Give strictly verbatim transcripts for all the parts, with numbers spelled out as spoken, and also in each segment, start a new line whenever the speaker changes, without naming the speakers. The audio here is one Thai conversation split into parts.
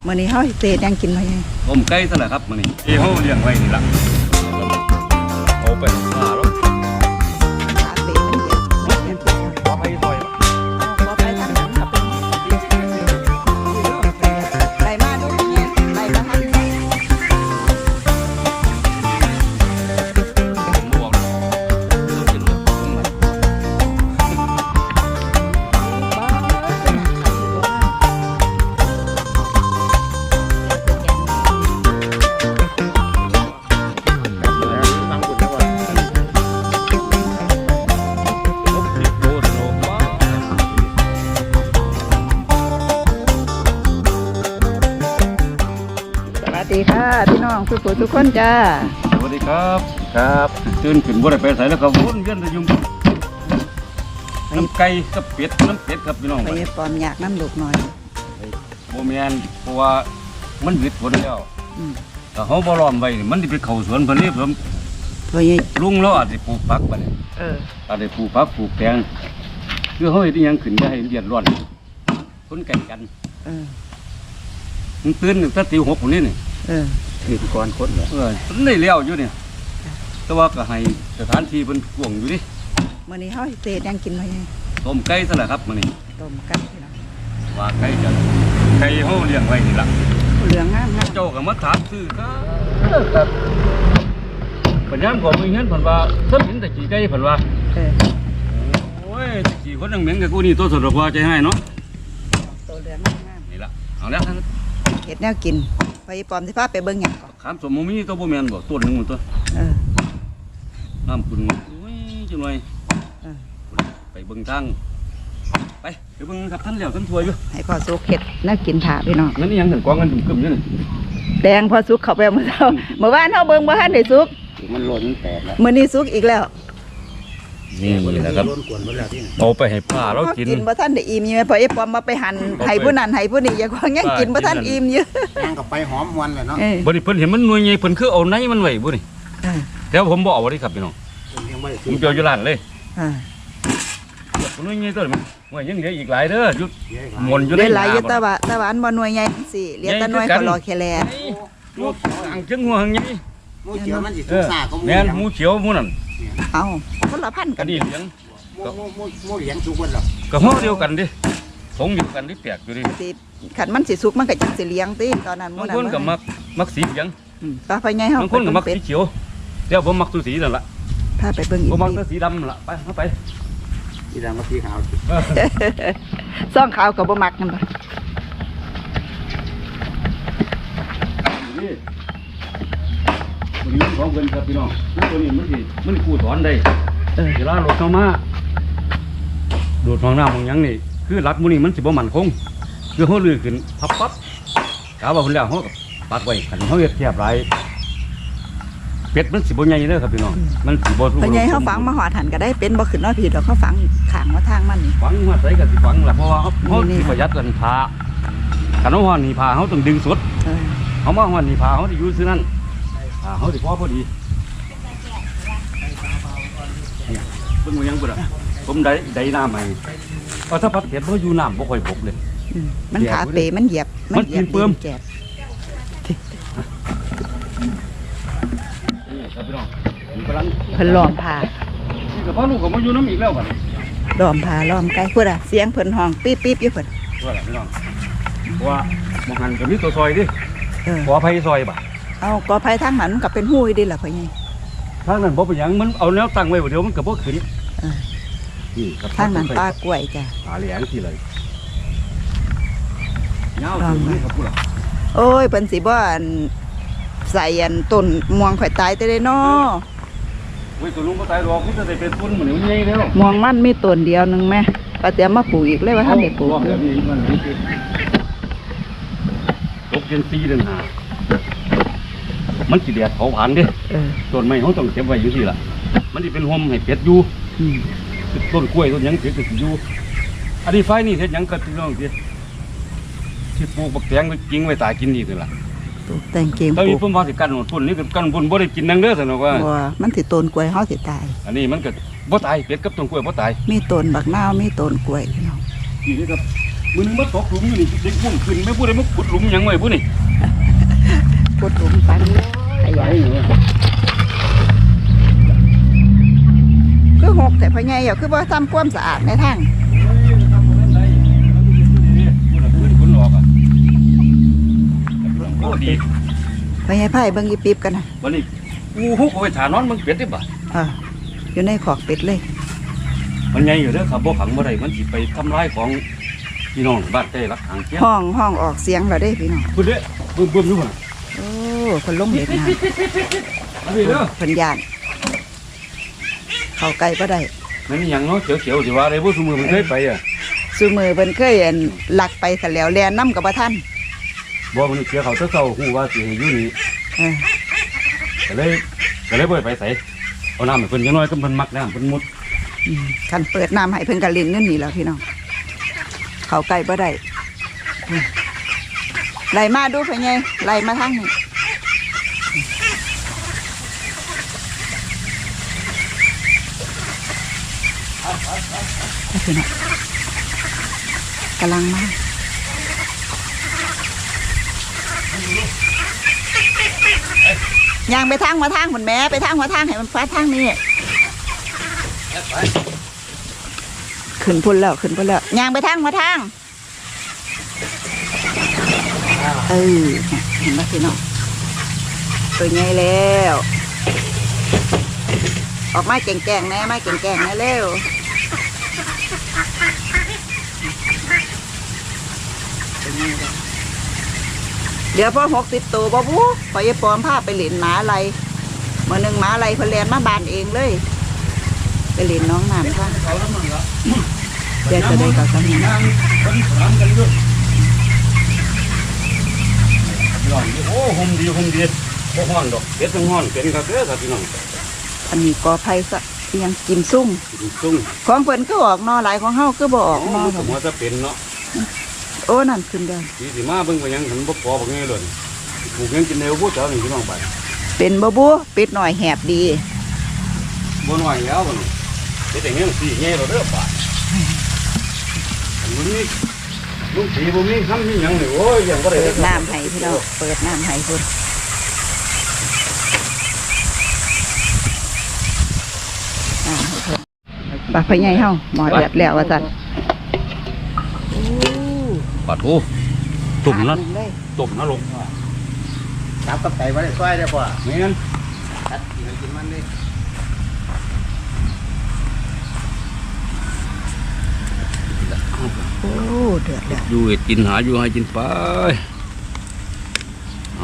มื้อนี้เฮาสิเตะยังกินไว้ไง
ต้มไก่ซะแหละครับมื้อนี้ที่เฮาเลี้ยงไว้นี่ล่ะเอาไปฆ่าแล้ว
ขาเตะมันเยอะมันเยอะ
ขอไปซอย
เอาบ่ไปทางนั้นครับไล่มาดูเนี่ยไล่มาทางนี้
ผมบ่บอกต้องกินเลย
สวัสดีค่ะพี่น้องทุกคนทุกคนจ้า
สวัสดีครับครับตื่นขึ้นบ่ได้ไปไสแล้วก็วนเวียนแต่อยู่น้ำไก่กับเป็ดน้ำเป็ดครับพี่น้อง
ไปปลอมอยากน้ำลูกหน่อย
บ่แม่นเพราะว่ามันหวิดผลแล้วถ้าเฮาบ่ล้อมไว้มันสิไปเข้าสวนเพิ่นนี่ผมลุงแล้วอาจสิปลูกผักบัดนี้เอออาจสิปลูกผักปลูกแตงคือเฮาเฮ็ดอีหยังขึ้นได้ให้เดือดร้อนคนแก่งกันเออมันตื่นตั้งแต่ตีหกพุ่นนี่นี่เออตื่นก่อนคนเออมันได้แล้วอยู่เนี่ยแต่ว่าก็ให้สถานที่เพิ่นกว้างอยู่ดิ
มื้อนี้เฮาสิเตะยังกินไว้ไง
ต้มไก่ซะแหละครับมื้อนี้
ต้มไก่พี่น้อง
ว่าไก่จะไก่เฮาเลี้ยงไว้นี่ล่ะ
เหลืองงามๆ
เจ้าก็มาถามซื้อครับครับปัญญามก็มีเงินเพิ่นว่าเพิ่นเห็นแต่ขี้ไก่เพิ่นว่าเออโอ้ยขี้คนยังเหม็นกับกูนี่ตัวสดกว่าใจให้เนาะ
ตัวเหลืองงาม
นี่ล่ะเอาแล้ว
เฮ็ดแนวกินไปปลอมสิพาไปเบิ่งหยังก่อน
ขามสมมุมีตัวบ่แม่นบ่ต้นนึงมันตัวเออน้ำคุณโอ้ยจังหน่อยเออไปเบิ่งทางไปไปเบิ่งครับท่านแล้วท่านถวยอยู่
ให้พ่อสุกเฮ็ดแนวกินถาพี่น้อง
นั่นนี่ยังถึงกองกันกึ่มๆอยู่นี่
แดงพอสุกเข้าไปเมื่อเช้าเมื่อวานเฮาเบิ่งบ่ทันได้สุก
มันหล่นแตกแล้ว
มื้อนี้สุกอีกแล้ว
นี่แหละครับเอาไปให้ป้าเรากิน
กินบ่ทันได้อิ่มอยู่แม่พอไอ้ปอมมาไปหั่นให้ผู้นั้นให้ผู้นี้อย่าว่ายังกินบ่ทันอิ่มอยู่
ยังกับไปหอมมวนเลยเนาะ
บ่ได้เพิ่นเห็นมันหน่วยใหญ่เพิ่นคือเอาในมันไว้บ่นี่แต่ผมบ่เอาดิครับพี่น้องผมเปียวอยู่ร้านเลยอ่าหน่วยใหญ่ตัวนี้ว่ายังเหลืออีกหลายเด้ออยู่หมนอยู่ใน
หลายอยู่ตะวะตะวันบ่หน่วยใหญ่สิเหลือแต่หน่วยเขารอแค่แล
ลูกอังจึงหัวหังใหญ่
หมูเขียวมันสิสุกซ่าก็หมู
แม่นหมูเขียวหมูนั่น
เอ้าคนละพันกัน
ดิเลี้ยง
หมูหมูหมูเลี้ยงสุกเบิดหรอ
ก็ฮ้อเดียวกันดิสงอยู่กันดิแปลกอยู่ดิ
สิคันมันสิสุกมันก็จังสิเลี้ยงติตอนนั้นห
มูนั่นบางคนก็มักมักสีเหลือง
อืมปลาไปใหญ่เฮา
บางคนก็มักสีเขียวเดี๋ยวผมมักตัวสีนั่นล่ะ
พาไปเบิ่งอีก
ผมมักตัวสีดำล่ะไปเฮาไป
สีดำกับสีขาว
ซ่องขาวก็บ่มักกันบ่
มันมีของเพิ่นครับพี่น้องตัวนี้มันสิมันกู้ถอนได้เออเวลารถเข้ามาดูดห้องน้ำห้องหยังนี่คือรักมื้อนี้มันสิบ่มั่นคงคือเฮาลื้อขึ้นพับปั๊บกะว่าเพิ่นแล้วเฮาปักไว้คันเฮาเฮ็ดแคบหลายเป็ดมันสิบ่ใหญ่เด้อครับพี่น้องมันสิบ่
ทุกคนใหญ่เฮาฝังมาหอดหันก็ได้เป็นบ่ขึ้นเนาะพี่ดอกเขาฝังข้างว่าทางมันนี่
ฝังมาใส่ก็สิฝังล่ะเพราะว่าเฮาเฮาสิประหยัดกันผ้าคันเฮาฮ้อนนี่ผ้าเฮาต้องดึงสุดเออเฮามาฮ้อนนี่ผ้าเฮาสิอยู่ซื่อนั้นผ้าเฮาสิพอพอดีเพิ่นบ่ยังบ่ล่ะผมได้ได้น้ำให้เอาถ้าพัดเผ็ดบ่อยู่น้ำบ่ค่อยบกเลย
มันขาเปมันเหยียบ
มันเหยียบเพิ่มแก่ครับพี่น้องกำลัง
เพิ่นล้อมผ้า
นี่ก็พ่อลูกก็มาอยู่น้ำอีกแล้วบัดนี้
ล้อมผ้าล้อมไก่พุ่นอ่ะเสียงเพิ่นห้องปี๊บๆอยู่เพิ่น
ว่าล่ะพี่น้องว่าบ่หันก็มีตัวซอยดิเออขออภัยซอยบ่
เอากอไผ่ทางนั้นมันก็เป็นหู้ดิล่ะพ่อใหญ่
ทางนั้นบ่เป็นหยังมันเอาแนวตั้งไว้บ่เดี๋ยวมันก็บ่ขึ้น
นี่ครับทางนั้นปลากล้วยจ้ะ
ปลาเหลียงที่เลยยาวถึงนี่ครับพุ่นล่ะ
โอ้ยเพิ่นสิบ่อันใส่อันต้นม่วงข่อยตายแต่ได้น้อ
โอ้ยตัวลุงบ่ตายหรอกมันจะได้เป็นต้นมื้อนี้มันใหญ่แล้ว
ม่วงมันมีต้นเดียวนึงแม่ก็เตรียมมาปลูกอีกเลยว่าท่านได้ปลูก
ตกเดือนสี่เดือนห้ามันสิแดดเผาผลาญเด้ต้นไม้เฮาต้องเก็บไว้อยู่ที่ล่ะมันสิเป็นห่มให้เป็ดอยู่ต้นกล้วยต้นหยังเป็ดก็สิอยู่อันนี้ไฟนี่เฮ็ดหยังก็พี่น้องสิสิปลูกบักแตงไว้กินไว้ตายกินนี่ซั่นล่ะ
ปลูกแตงเกม
ปลูกตอนนี้ผมว่าสิกันหมดพุ่นนี่กันพุ่นบ่ได้กินนังเด้อซั่นเนาะว่า
บ่มันสิต้นกล้วยเฮาสิตาย
อันนี้มันก็บ่ตายเป็ดกับต้นกล้วยบ่ตาย
มีต้นบักนาวมีต้นกล้วยพี่น้อง
นี่ครับมึงมาตกหลุมอยู่นี่เด็กมุ่งขึ้นไม่พูดได้มาขุดหลุมหยังไงพูดนี่
ขุดหลุมปันขยายคือหกแต่พ่อใหญ่อยู่คือว่าทำความสะอาดในทางพ่อใหญ่ไผ่เบิ่งยีปีบกันนะ
วันนี้กูฮุกเอาไปถานอนมึงเป็ดได้บ่
เอออยู่ในขอกเป็ดเลย
มันใหญ่อยู่เด้อครับบ่ขังบ่ได้มันสิไปทำลายของพี่น้องบ้านใต้รักทางเกี้ย
ห้องห้องออกเสียงเราได้พี่น้อง
พูดเด้อบึ้มบึ้มอยู่บ่น่ะ
โอ้คนล้มเด็ดนะ
อันนี้เด้อ
คนยานเข้าใกล้ก็ได้
มันมีหยังเนาะเขียวๆสิว่าได้บ่ซุมื้อมันเคยไปอ่ะ
ซูมือเพิ่นเคยอันลักไปซะแล้วแลนน้ำกับบ่ทัน
บ่มันเสียเขาเช้าๆฮู้ว่าสิให้อยู่นี่
เออ
ก็เลยก็เลยบ่ได้ไปไสเอาน้ำให้เพิ่นจังน้อยก็เพิ่นมักน้ำเพิ่นมุด
อืมคันเปิดน้ำให้เพิ่นกะลินเงินนี่แหล้วพี่น้องเข้าใกล้บ่ได้อืมไล่มาดูเพิ่นไงไล่มาทางนี้พี่น้องกำลังมาย่างไปทางมาทางเหมือนแม่ไปทางมาทางให้มันฟ้าทางนี้ขึ้นพุ่นแล้วขึ้นพุ่นแล้วย่างไปทางมาทางเออเห็นไหมพี่น้องตัวใหญ่แล้วออกมาแก่งๆแน่มาแก่งๆแน่เร็วเดี๋ยวพอหกสิบตัวบ่บู๊พอยายปอมพาไปเหรียญหมาอะไรเมื่อหนึ่งหมาอะไรเพนเรียนมาบานเองเลยไปเหรียญน้องน้ำค่ะเดี๋ยวจะได้กับสามี
โอ้โหมดีโฮมดีบ่ฮ้อนดอกเป็ดจังฮ้อนเป็นครับเด้อครับพี่น้อง
อันนี้กอไผ่ซะยังกินซุ่ม
ซุ่ม
ของเพิ่นก็ออกนอหลายของเฮาก็บ่ออกนอ
ผมว่าจะเป็นเนาะ
โอ้นั่นขึ้นเด้อ
สีสิมาเบิ่งว่ายังหันบ่พอบ่ไงเลยปลูกยังกินแนวบ่เจ้านี่พี่น้องไป
เป็นบ่บู๊เป็ดหน่อยแหบดี
บ่น้อยแล้วบ่นี่เป็ดยังสิแง่เราเด้อป่าอันนี้ลุงสีบ่มีคำมีหยังนี่โอ้ยยังบ่ได้
เปิดน้ำให้พี่น้องเปิดน้ำให้พุ่นน้ำให้เพิ่นปากพะใหญ่เฮาหมอเดือดแล้วว่าซั่นโอ้
ปาดโอ้ตุ่มนะ
ปากหงเลย
ตุ่มนะลง
จับกับไก่ไว้ได้ซอยได้ป่ะ
แม่น
ตัดกินกินมันเลย
โอ้เดือดแล้ว
อยู่ให้กินหาอยู่ให้กินไปเอา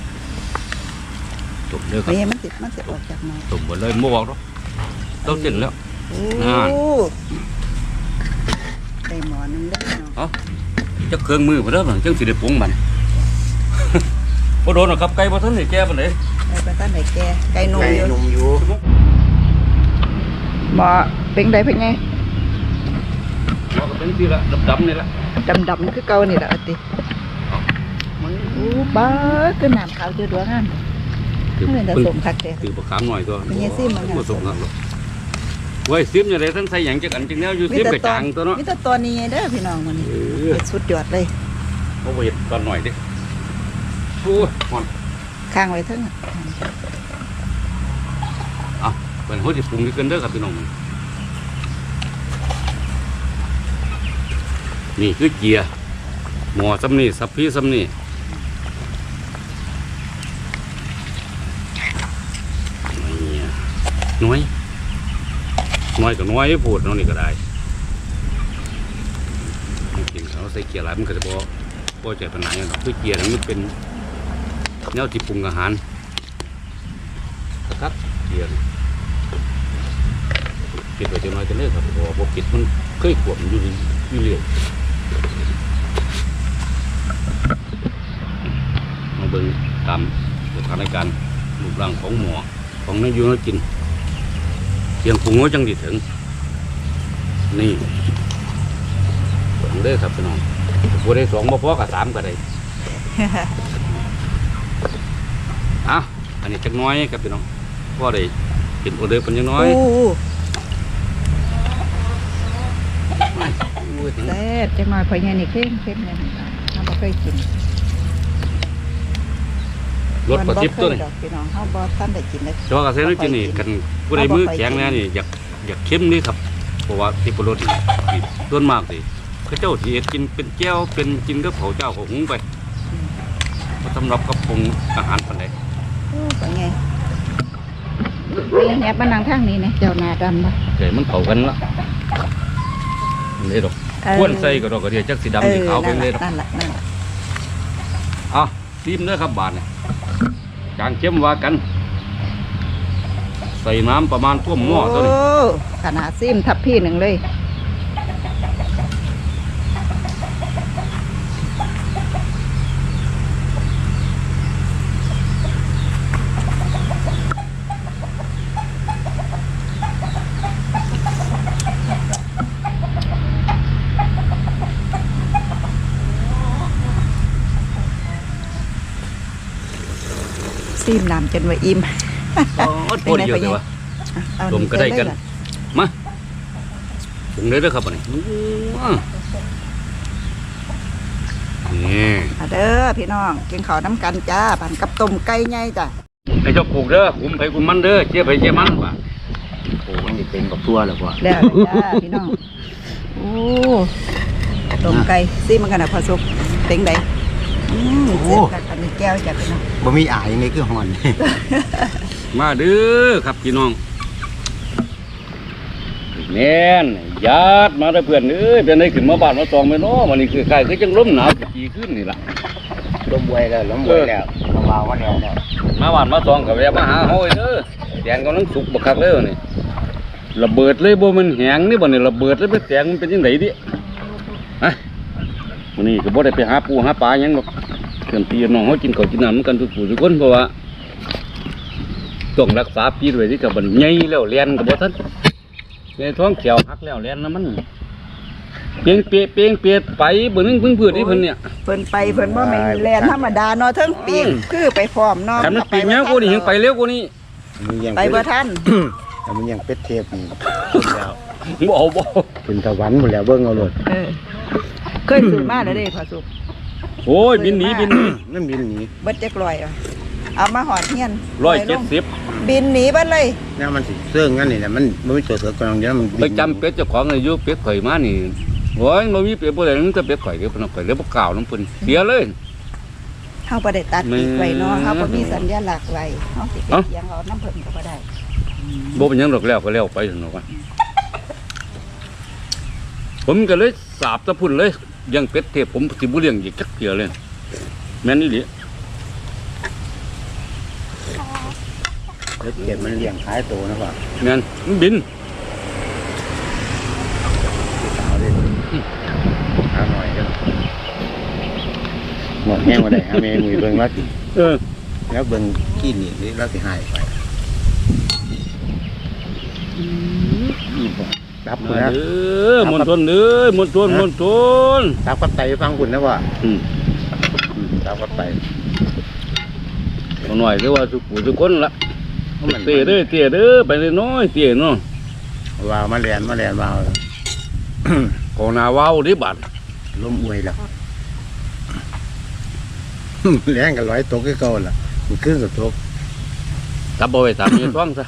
ตุ่มเด้อค
พะ
รับ
ใหญ่มันสิมันสิออกจากหม้อ
ตุ่มบ่เลยบ่บอกหรอกต้องเต้นแล้ว
โอ้
อ่า
ได้หมอนึงเลยเนาะ
จักเครื่องมือบ่เด้อบัดจังสิได้ปรุงมัน บ่โดนหรอกครับไก่บ่ทันได้แก่ปานใด
ไอ้ประตันไหนแกไก่นม
ไก่
อยู่
นมอยู่
หมอเป็นไดเป็นไง
หมอก็เป็นที่ละดำๆนี่ละ
ดำดำๆคือเก่านี่แหละอติโอ้บ้าคือน้ำขาวเจือดวงงามนี่เป็นแต่สมคักแต่
คือบ่ขามหน่อยตัว
เป็นไงซิมมันน่ะ
บ่สมครับหรอกไว้ซิมจังได๋ทั้งใส่หยังจักอันจังแนวอยู่ซิมกระจางตัวเนาะ
มีแต่ตัวนี้เด้อพี่น้องมันนี่
เออ
สุดยอดเลย
เอาไว้เฮ็ดก่อนหน่อยดิโอ้ยฮ้อน
ข้างไว้เทั้ง
เอาเพิ่นเฮาสิปรุงอยู่กันเด้อครับพี่น้องนี่คือเกียร์หม้อซ้ำนี่สับพี่ซ้ำนี่เนี่ยน้อยน้อยก็น้อยพูดเนาะนี่ก็ได้กินเขาใส่เกียร์หลายมันก็จะบ่บ่ใจปานไหนหรอกคือเกียร์นี่มันเป็นแนวที่ปรุงอาหารครับเกียร์นี่ปิดไว้จังน้อยกันเด้อครับบ่บ่ปิดมันเคยขวบอยู่นี่อยู่เรื่อยมาเบิ่งตามสถานการณ์รูปร่างของหมอของนายอยู่นกินเพียงปรุงไว้จังสิถึงนี่เบิ่งเด้อครับพี่น้องบ่ได้สองบ่พอกับสามก็ได้ อ่ะอันนี้จักน้อยครับพี่น้องพอได้เป็นออเดอร์เป็นจักน้อย
โอ้
โอ้
พูดถึง
แซ่บจังหน่อยพอใหญ่นี่เข้มเข้มเลยเราบ่เคยกิน
รสประทิบตัวนี่
ดอกพี่น้องเฮาบ่ทันได้กินเลย
เฉพาะเกษตรกินนี่กันผู้ใดมือแข็งแน่นี่อยากอยากเข้มนี่ครับเพราะว่าที่ปรสนี่ส่วนมากสิเขาเจ้าที่กินเป็นแก้วเป็นกินกับเขาเจ้าของหุงไปบ่สำหรับกับปรุงอาหารปานใด
โอ้เป็นไงนี่แหนบมานั่งทางนี้นะเจ้าหน้าดำบ่
เกิดมันเข้ากันละเลยดอกควนใส่ก็ดอกกระเดียจักสีดำสีขาวเป็นเลยดอก
นั่นแหละนั่นแหละ
อ่ะซีมเด้อครับบาทเนี่ยจางเข้มว่ากัน ใส่น้ำประมาณท่วมหม้อตัวนี้
โอ้ขนาดซิมทับพี่หนึ่งเลยซิมน้ำจนว่าอิ่ม
โอ้โหเดียวเลยวะ
เอา
รวมก็ได้กัน
ใส่เลยล่ะ
มาปรุงเลยเด้อครับอันนี้อื้อนี่
เอาเด้อพี่น้องกินข้าวน้ำกันจ้าปั่นกับต้มไก่ใหญ่จ้ะ
ไอ้เจ้าปลูกเด้อคุมไปคุมมันเด้อเจี๊ยบไปเจี๊ยบมันว่ะ
โอ้มันจะเป็นกับตัวแล้วพ่อ
แล้วจ้าพี่น้องโอ้ต้มไก่ซิมันกันนะพอสุกเป็นไดอืมเจ็บกับอันนี้แก้วจ้ะพี่น้อง
บ่มีอายในคือห่อน
มาเด้อครับพี่น้องแน่นญาติมาได้อเพื่อนเอ้ยเป็นไงขึ้นมาบ้านมาตองไปเนาะมันนี่คือใครคือจังลมหนาวกี่ขึ้นนี่ล่ะ
ล้มบวยแล้วล้มบวยแล้วลงมาว่าแล้วแล้ว
มาบ้านมาตองกับแวะมาหาเฮาเด้อแตงกำลังสุกบักคักเลยนี่ระเบิดเลยบ่มันแหงนี่บ่นี่ระเบิดเลยไปแตงมันเป็นจังไดดิฮะมื้อนี้ก็บ่ได้ไปหาปูหาปลาหยังหรอกเพื่อนพี่น้องเฮากินข้าวกินน้ำกันทุกผู้ทุกคนเพราะว่าต้องรักษาปีไว้ที่กับมันใหญ่แล้วเรียนกับบ่ทันในท้องเขียวหักแล้วเรียนนะมันเปียงเปียเปียงเปียไปเบิ่งนึงเพิ่งพืชนี่เพิ่นเนี่ย
เพิ่นไปเพิ่นว่าแม่นแลนธรรมดาเนาะเทั้งปีกคือไปพร้อมเนาะ
คันมันปีกยาวกว่านี้ยังไปเร็วกว่านี้
มันยัง
ไปบ่ทัน
แต่มันยังเป็ดเทปนี่แล้ว
บ่เอาบ่
เป็นตะวันหมดแล้วเบิ่งเอาโลด
เออเคยซื้อมาแล้วเด้พอสุก
โอ้ยบินหนีบินหนี
นั่นบินหนี
เบิดจักร้อยอ่ะเอามาหอดเฮียน
ร้อยเจ็ดสิบ
บินหนีเบิดเลย
เนี่ยมันสิเสื่องงั้นนี่แหละมันมันมีตัวเสือกำลังเดียวมัน
ไปจำเป็ดเจ้าของอายุเป็ดข่อยมานี่โอ้ยบ่มีเป็ดบ่ได้นึงแต่เป็ดข่อยเด้อเพิ่นเอาข่อยเลยบ่กล่าวน้ำเพิ่นเสียเลย
เฮาบ่ได้ตัดปีกไว้เนาะ
แม่
เฮาบ่มีสัญลักษณ์ไว้เฮาสิไป
เอ้า
เลี้ยงเอาน้ำเพิ่นก็บ่ได้
บ่เป็นหยังดอกแล้วก็แล้วไปซั่นดอกว่าผมก็เลยสาบตะพุ่นเลยเลี้ยังเป็ดเทพผมสิบ่เลี้ยงอีกจักเทื่อเลยแม่นอีหลี
เป็ดเก็บมันเลี้ยงขายตัวนะพ่อ
แม่นมันบิน
สาวเลยหาหน่อยกันหมดแห้งมาได้หาเมมือเบิ่งแล้วสิ
เออ
แล้วเบิ่งขี้หนีนี่แล้วสิหายไปรับ
มา
คุณนะ
เด้อมนต์ทนเด้อมนต์ทนมนต์ทน
รับกับไตฟังคุณนะว่า
อืม
รับกับไต
เอาหน่อยเด้อว่าทุกผู้ทุกคนละเตะเด้อเตะเด้อไปเลยน้อยเตะเนาะ
ว่ามาเรียนมาเรียนมา
ของหนาว้าวดิบาด
ล้มอวยแล้วแรงกันร้อยตกก็เก่าล่ะมันขึ้นกับตก
ตับเอาไว้ตามเมียท้องซะ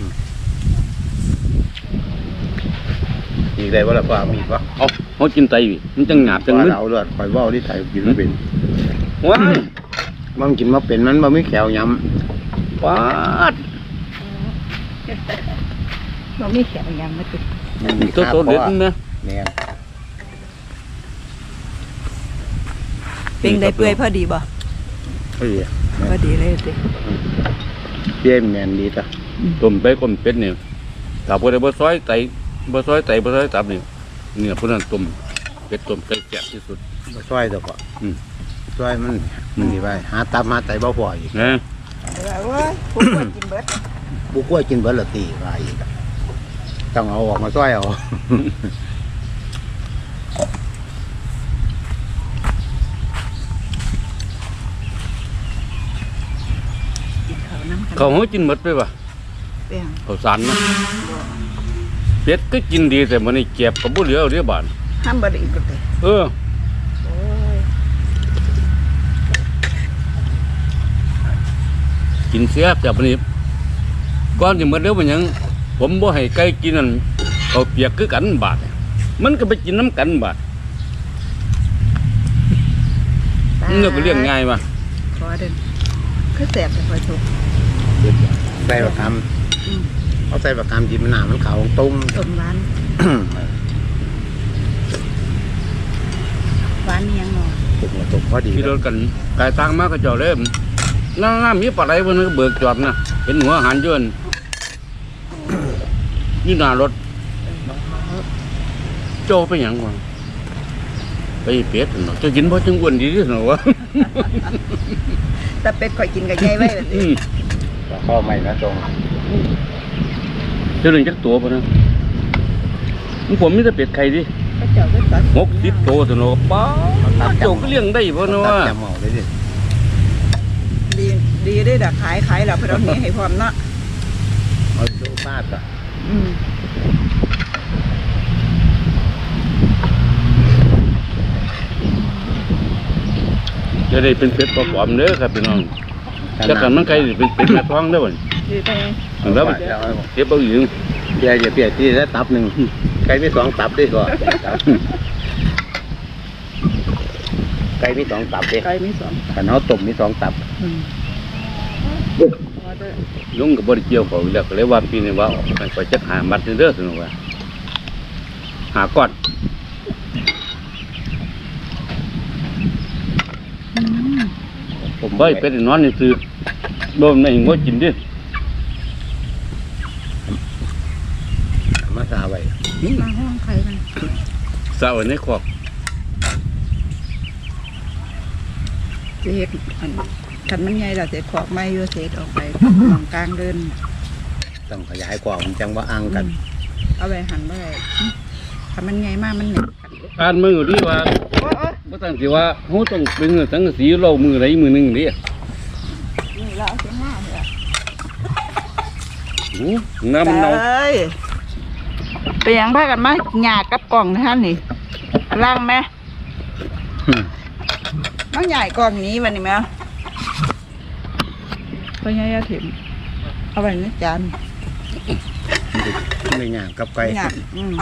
มีได้ว่าล่ะพ่อมีปะ
เอาเขากินไตวิมันจังหยาบจัง
ว่า
มึน
เราเลือดคอยว่าที่ไทยกินมาเป็น
ว้าย
มันกินมาเป็นมันมันไม่แขวย้
ปาด
บ่มีแขนยังมาติด
ำ
ตัวโตเด็ดนะ
เนี่ย
เป็นได้เปื่อยพอดีบ่
เฮ้ย
พอดีเลยติ
เปี้ยแมนดีจ้ะ
ต้มไปก้มเป็ดเนี่ยถ้าบ่ได้บ่ซอยไตบ่ซอยไตบ่ซอยตับนี่เนี่ยพวกนั้นต้มเป็ดต้มไก่แซ่บที่สุด
มาช่วยตัวพ่อ
อืม
ช่วยมันมันดีไปหาตับหาไตบ่พออีก
นะ
แต่ว่าโอ้ยผู้คนกินเบิด
บุกกล้วยกินเบิร์ดละตีว่าอีกอะต้องเอาออกมาช่วยเอา
กินข้าวน้ำกัน
เขาเฮากินหมดไปป่ะ
เปียง
ข้าวสารนะเป็ดก็กินดีแต่มื้อนี้เก็บก็บ่เหลือเด้อบาด
เห้ามบริก็เลย
เออ
โอ้ย
กินเสียจากนี้ก่อนจะมาเดี๋ยวมันยังผมบ่ให้ไก่กินนั่นเขาเปียกคือกันบาดเนี่ยมันก็ไปกินน้ำกันบาดมันก็เลี้ยงง่ายมา
ขอเดินคือแสบแต่คอยทุก
ใส่บักคำเอาใส่บักคำจิ้มหนามันขาวตุ้ม
ต้มหวานหวานเนียงหน่อย
ตุกตุกพอดี
ที่รถกันกายทางมากก็เจ้าเล่มน้ำน้ำมีปลาไหลบนนั้นก็เบิกจอดนะเป็นหัวอาหารยวนนี่หน้ารถโจไปหยังวะไปเป็ดเนาะจะกินเพราะจังอ้วนดีที่สุดวะ
แต่เป็ดคอยกินกับยายไว้แบบ
อื
นี้
ม
ข้อใหม่นะตรง
เจ้าหนึ่งจักตัวปะนะผมมีแต่เป็ดไข่ดิ
ก็เจ้าก็ตัด
หกสิบตัวสนุกป้าเจ้าก็เลี้ยงได้ปะเนาะ
ตั
วะ
ดจำหมอเลยดิ
ดีดีได้ดักขายขายแล้วเพราะเราเนี้ให้พร้อมเนาะ
เอาดูฟาดอ่ะ
อืม
จะได้เป็นเป็ดปลอมๆเด้อครับพี่น้องจะกันมันไก่เป็นเป็ดแม่ท้องได้อบ่
ดีไป
แล้วมันเก็บเอาอยู่
เดี๋ยวจะเปลี่ยนที่ได้ตับหนึ่งไก่มีสองตับด้วยก่อนไก่มีสองตับดิ
ไก่มีสอง
ขันเขาต้มมีสองตับ
อืมพอเด้อ
ลุงกับบริเกี่ยวเขาอยู่แล้วก็เลยว่าปีนี้ว่าออกไปไปจักหามัดเด้อสนุกว่าหาก้อน
อืม
ผมไปเป็ดนอนนี่ซื้อโดนไม่งดกินดิ
มาซาไว้
มาห้องใครกัน
สาวในคอก
เศษอันขันมันใหญ่ละเศษขอกไม้อยู่เศษออกไปมองกลางเดิน
ต้องขยายกว่ามันจังว่าอังกัน
เอาไปหั่นไว้ขันมันใหญ่มากมันเหน็บกัน
อ่านมือดีว่า
โอ้ย
บ่ตั้งสิว่าเฮาต้องเป็นสังกะสีเรามือใดมือหนึงดิ
นี่เราเอาเสียงหน้าเลย
โอ้น้ำมันเน่า
เอ้ยไปยังพากันมาหยากับกล่องนะท่านนี่ล่างไหมน้องใหญ่กล่องนี้วันนี้ไหมพ่อใหญ่ยาถิ่มเอาไว้ในจาน
ไม่หยาบกับไก่
หยาอืม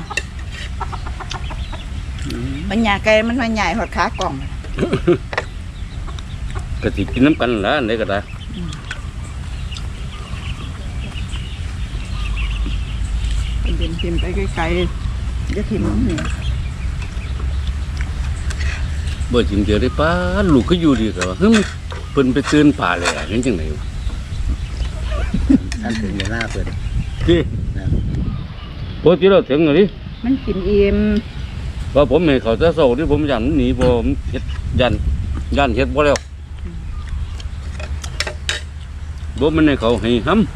มันหยาไก่มันมาใหญ่หดขากล่อง
ก็สิกินน้ำกันล่ะอันใดก็ได้
เดินทิมไปไกลๆจะถิ่มมันเหนียว
บ่จิมเดียวได้ป้าลูกก็อยู่ดีก็ว่าเฮ้ยเพิ่นไปตื่นป่าเลยอ่ะเห็นจังได๋วะ
ท่านถึงในหน้าเปิด
ที่ปกติเราถึงเลยดิ
มันกินอิ่ม
ว่าผมให้เขาจะโซ่ที่ผมยันหนีผมเฮ็ดยันยันเฮ็ดบ่แล้วบ่มันให้เขาให้ห้ำ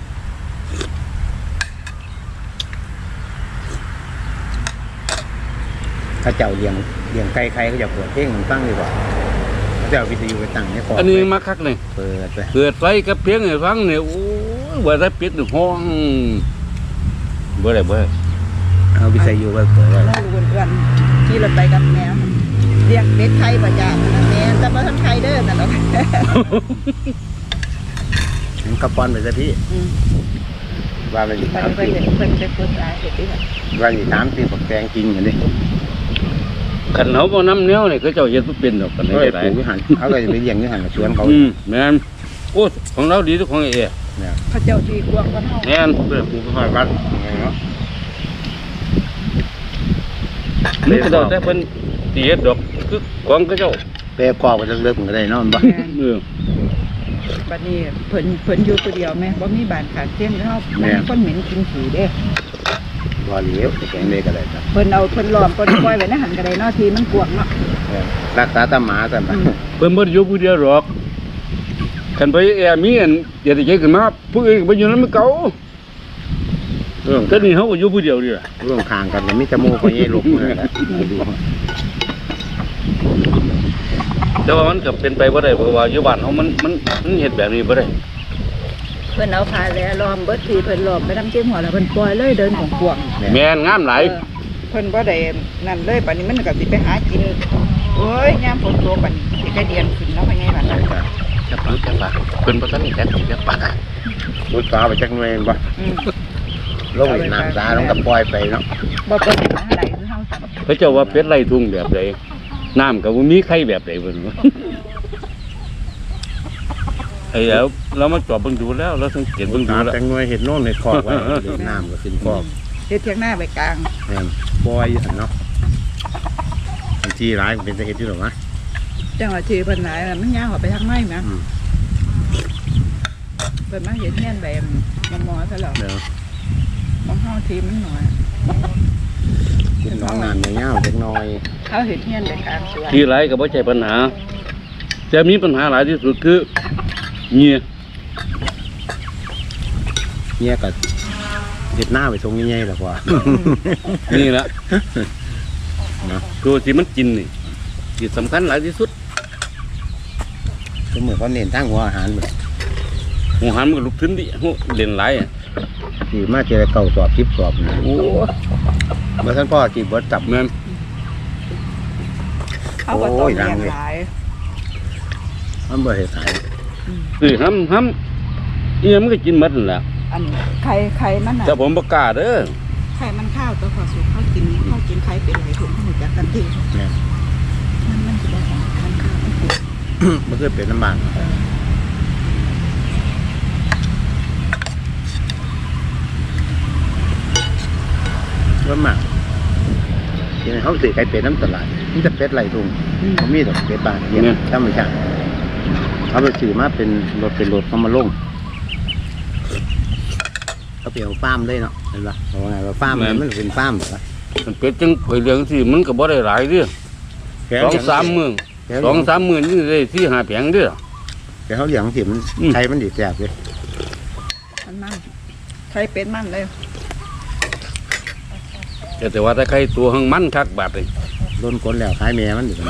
ข้าเจ้าเลี้ยงเลี้ยงไก่ใครก็จะเปิดเพลงมันตั้งดีกว่าเขาจะเอาวิทยุไปตั้งในคอ
อันนี้มาคักเลย
เปิดไป
เกิดไฟกับเพียงให้ฟังเนี่ยโอ้ยว่าได้ปิดห้องบ่ได้บ่ได้
เอาวิทยุไปเปิดไว้
เราดูเพื่อนๆที่เราไปกับแมวเรียกเป็ดไข่ประจำนะแม่แต่ว่าท่านไข่เด้อแต่เรา
งั้นกระป้อนไปซะพี่
อืม
ว่ามันอยู่
ไป
สาม
ไป
สี่
เด็กเพิ่นไปพูดสายเด็กที่แบบ
ว่าอยู่สามสี่ฝักแตงกินอย่างนี้
คันเฮาบ่นำแนวนี่เขาเจ้าเฮ็ดบ่เป็นดอกกัน
เขา
ได้
ไป
ได้
ปลูกวิหารเขาก็จะไปเลี้ยงวิหารสวนเขา
อืมแม่นโอ้ของเราดีทุกของไอ้เอ๋
เนี่ย
พระเจ้าที่กวางกันเฮา
แม่น
เพื่อปลูกหอยวัดไงเนาะ
นี่ก็ได้แต่เพิ่นสิเฮ็ดดอกคือของเขาเจ้า
เปรย์กรอบไปเลิกๆมันก็ได้เนอนบ้า
เออ
บัดนี้เพิ่นเพิ่นอยู่ผู้เดียวแม่บ่มีบ้านขาดเตียงเฮามันคนเหม็นกินขี้เด้
บ่เหลียวแข็งเลยก็ได้ครับ
เพิ่นเอาเพิ่นล้อมเพิ่นปล่อยไว้ในหันก็ได้เนาะทีมันกวางเนาะ
รักษาตาหมาแต่บ้า
เพิ่นบ่ได้อยู่ผู้เดียวหรอกคันไปแอมีอันอย่าได้ใจขึ้นมาผู้อื่นก็บ่อยู่นำเก่าเออแต่นี่เฮาก็อยู่ผู้เดียวนี่ล่ะ
ร่วมคางกันก็มีจมูกก็ยี่ลุกเลยนะดู
แต่ว่ามันก็เป็นไปบ่ได้เพราะว่าอยู่บ้านเฮามันมันมันเฮ็ดแบบนี้บ่ได้
เพิ่นเอาพาแลล้อมเบิดทีเพิ่นล้อมไปนำเจียงหัวแล้วเพิ่นปล่อยเลยเดินของกวาง
แม่นงามหลาย
เออเพิ่นบ่ได้นั่นเลยบัดนี้มันก็สิไปหากินโอ้ยยามฝนตกบัดนี้สิกระเดียนขึ้นแล้วไปไงบัดนั้น
จะปลาจะปลาเพิ่นบ่ทันได้จักสิจะปลา
มุดฟ้าไปจักหน่วยบ่
อืม
ลงในน้ำซาลงกับปล่อยไปเนาะ
บ่เปิดหาอะไรคือเฮาสั่น
เขาเจ้าว่าเป็ดไล่ทุ่งแบบใดน้ำก็บ่มีไข่แบบใดเพิ่นว่า ไอ้แล้วเรามาจอบเบิ่งดูแล้วเราสังเกตเบิ่งดูแล้ว
น้ำจักหน่วยเห็ดโน่นเห็ดคอกไว้เดี๋ยวน้ำก็ขึ้นคอก
เฮ็ดเทียงหน้าไปกลาง
แม่นปล่อยอยู่หั่นเนาะบางทีร้ายมันเป็นตะเฮ็ดอยู่หรอวะ
จังหวะที่เพิ่นหลายน่ะมันย่างออกไปทางไม้แหม
อืม
เพิ่นมาเฮ็ดเฮียนแบบมอๆซะแล้ว
เดี๋ยว
มองเฮาทีมันน้อย
กินน้องน้ำเงี้ยวๆจักหน่อย
เฮาเฮ็ดเฮียนไปกลางสวน
ที่หลายก็บ่ใช่ปัญหาจะมีปัญหาหลายที่สุดคือเงีย
เนี่ยก็เห็ดหน้าไปทรงใหญ่ๆหรอกว่า
นี่ละ
เนาะ
ตัวที่มันกินนี่ที่สำคัญหลายที่สุด
ก็เหมือนเขาเน้นทั้งหัวอาหารแบบ
หัวหันมันก็ลุกขึ้นดิหัวเล่นหลายอ่ะ
ขี่มาเจอเก่าสอบคลิปสอบนะ
โอ้
เมื่อท่านพ่อจีบดจับ
แม่น
เขาก็ต้องเลี้ยงหลาย
มันบ่เห็ดขาย
คือห้ำห้ำเอียมันก็กินหมดนั่นแหละ
อันไข่ไข่มันน่ะ
แต่ผมประกล้าศเด้อ
ไข่มันข้าวตัวขอสุกเขากินเขากินไข่เป็นหลายถุงเขาหมดจากกันที
เนี่ย
มันมันจะได้ของมันข้าวมันสุก
มันคือเป็นน้ำมันว่าหมักทีนี้เขาสื่อไก่เป็ดน้ำตลาดนี่จะเป็ดไหลทุ่งเขามีดอกเป็ดบานเยี่ยมธรรมชาติเขาไปสื่อมาเป็นรถเป็นรถเขามาลงเขาเปลี่ยนฟาร์มเลยเนาะเห็นปะเพราะว่าไงว่าฟาร์มมันมันเป็นฟาร์มเหรอ
มันเป็ดจังข่อยเลี้ยงสิมันก็บ่ได้หลายเด้อสองสามมื้อสองสามมื้อนี่ได้สี่ห้าแผงเด้อ
แต่เขาเลี้ยงสิมัน
อืม
ไทยมันดีแซ่บเลย
มันมันไข่เป็นมันเลย
แต่แต่ว่าถ้าใครตัวหังมันคักบาดเลย
โดนกดแล้วขายแม่มันอยู่กัน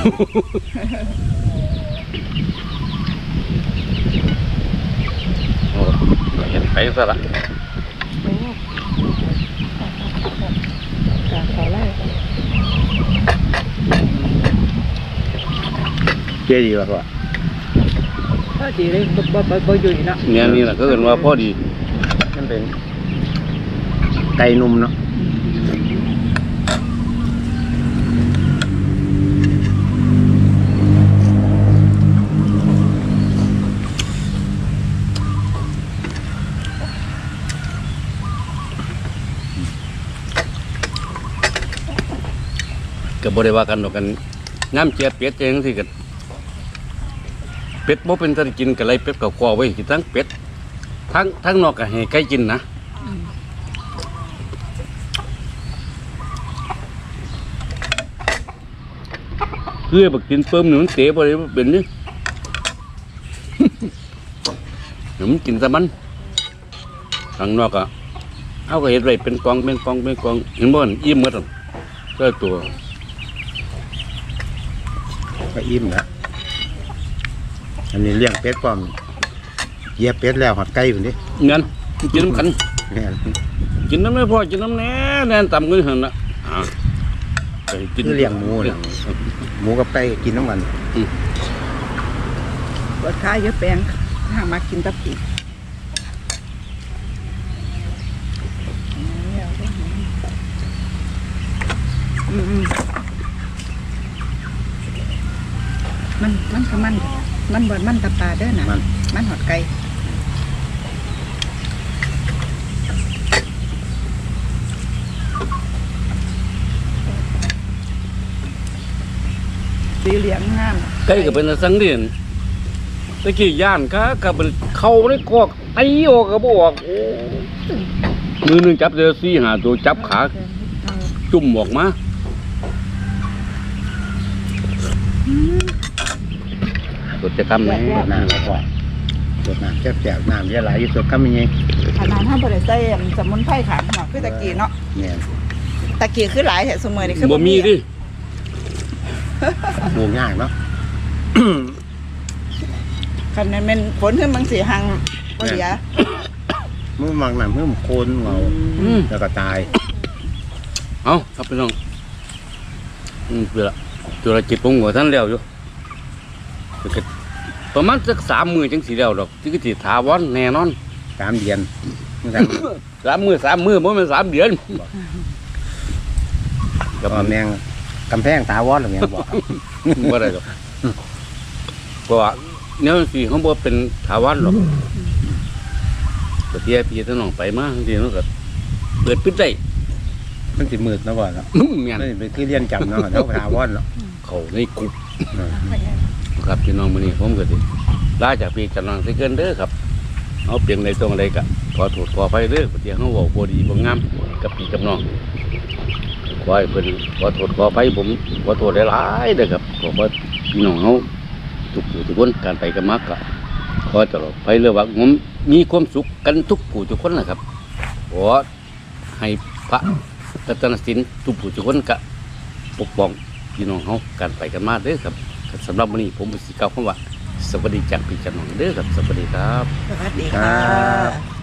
โอ้เห็นไปซะละ
โอ้จากเขาไล่
เจ๊ดีกว่าพ่อ
ก็ดีเลยบ่บ่บ่บ่อยู่นี่เนาะ
เนี่ยนี่แหละก็เอิ้นว่าพอดี
มันเป็นไก่นุ่มเนาะ
ก็บ่ได้ว่ากันดอกกันน้ำเจียเป็ดเองสิก็เป็ดบ่เป็นตะกินก็เลยเป็ดก็คอไว้กินทั้งเป็ดทั้งทั้งนอกก็ให้ไก่กินนะเพื่อบักกินเปิ้มนี่มันเตะบ่ได้บ่เป็นนี่ เดี๋ยวมันกินซะมันข้างนอกอ่ะเอาก็เฮ็ดไว้เป็นกองเป็นกองเป็นกองเห็นบ่นั่นอิ่มหมดอ่ะก็ตัว
ก็อิ่มแล้วอันนี้เลี้ยงเป็ดป้อมเหยียบเป็ดแล้วหอดไก่อยู่นี่
งั้นกินน้ำกัน
แม่น
กินน้ำไม่พอกินน้ำแน่แน่นต่ำกันหันละอ่าไปกิน
คือเลี้ยงหมูน่ะหมูกับไก่กินน้ำมัน
ปวดขาเยอะแปลงทางมากินตะปีอืมอืมมันมันก็มันมันบ่มันตะปลาเด้อน่ะ
มัน
มันหอดไก่สีเหลืองงาม
ไก่ก็เป็นสังเดียนตะกี้ย่านก็กับเป็นเข้าในกอกตีออกก็บออกโอ้มือหนึงจับเจอสี่หาตัวจับขาจุ่มออกมา ตัวจะทำไหม
รดน้ำแล้วก็รดน้ำแซ่บๆน้ำเยอะหลายที่สุดก็มีไง
ขนาดท่านบริใส่สมุนไพรขางหนอกคือตะกี้เนาะ
เนี่ย
ตะกี้คือหลายแต่สมัยนี้คือ
บ่มีดิ
หมูง่ายเนาะ
คันนั้นเป็นฝนขึ้นบางสีหังบ่เหลีย
มือมักน้ำมือมโคนเงา
อืม
แล้วก็ตาย
เอาครับพี่น้องอืมเพื่อจุลจิตผมก็ท่านแล้วอยู่ก็ประมาณสักสามมือจังสีแล้วดอกที่ก็สิถาวรแน่นอน
สามเดือน
สามมือสามมือบ่แม่นสามเดือน
ก็แมงกำแพงตาวอดหรือไงบอก
บ่ได้ดอกเพราะว่าแนวสิเขาบ่เป็นถาวรหรอกก็เที่ยพี่ทั้งน้องไปมาจังซี่มันก็เปิดปิดได้
มันสิมืดนะบ่เนาะ
แม่น
นี่เป็นที่เรียนจำเนาะแล้วตาวอดเนาะ
เขาในกลุ่มครับพี่น้องมื้อนี้ผมก็สิลาจากพี่จากน้องสิเกินเด้อครับเอาเปลี่ยนในตรงใดก็ขอโทษขออภัยเด้อที่เฮาเว้าบ่ดีบ่งามกับพี่กับน้องขอให้เพิ่นขอโทษขออภัยผมขอโทษหลายๆเด้อครับขอว่าพี่น้องเฮาทุกผู้ทุกคนการไปกันมากก็ขอตลอดไปเรื่องว่าผมมีความสุขกันทุกผู้ทุกคนนะครับขอให้พระรัตนสินทุกผู้ทุกคนก็ปกป้องพี่น้องเฮาการไปกันมาเด้อครับสำหรับวันนี้ผมสิกล่าวคำว่าสวัสดีจากพี่จากน้องเด้อครับสวัสดีครับ
สวัสดีค่ะ